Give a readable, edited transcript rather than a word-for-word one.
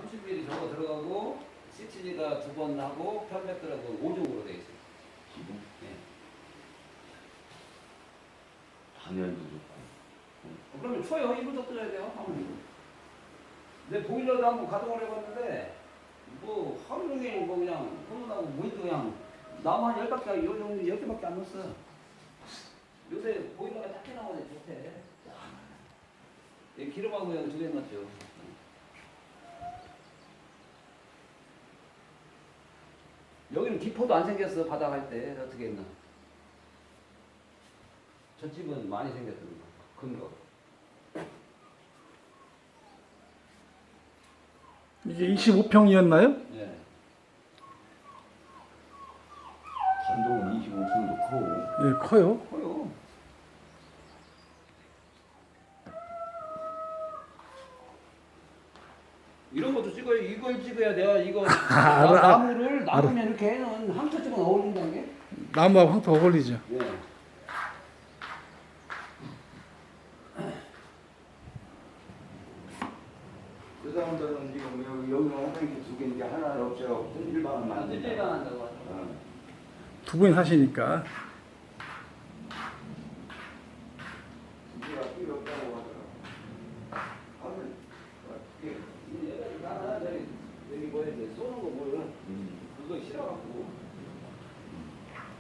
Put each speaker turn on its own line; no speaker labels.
30mm 저거 들어가고 시치지가 2번 하고 편백들하고 5종으로 돼 있어요.
기본
예.
단열도 좋고.
그러면 초요 1분 떠야 돼요. 아무리. 내 보일러도 한번 가동을 해봤는데 뭐 하루 종일 뭐 그냥 혼나고 모니터 그냥 나무 한 10바퀴 요 정도 10개밖에 안 넣었어. 요새 보일러가 작게 나오네 좋대. 기름하고 그냥 2개 넣었죠. 여기는 기포도 안 생겼어. 바닥 할 때 어떻게 했나. 저 집은 많이 생겼던 거. 큰 거.
이게 25평이었나요?
예.
단독은 25평도 크고.
예, 커요.
커요. 이런 것도 찍어요. 이걸 찍어야 돼요. 이거
알아.
나무를 나무면 이렇게 해놓은 황토집은 어울린다는 게.
나무하고 황토 어울리죠.
예.
그 사람들은 지금 여기는 화장실 2개인데 하나를 없애고 일반은 만든다.
일반 한다고 하죠.
두 분이 사시니까.
우리가 필요 없다고 하더라고. 하면
나는 여기 뭐야 돼 쏘는 거 뭐야? 그거 싫어갖고.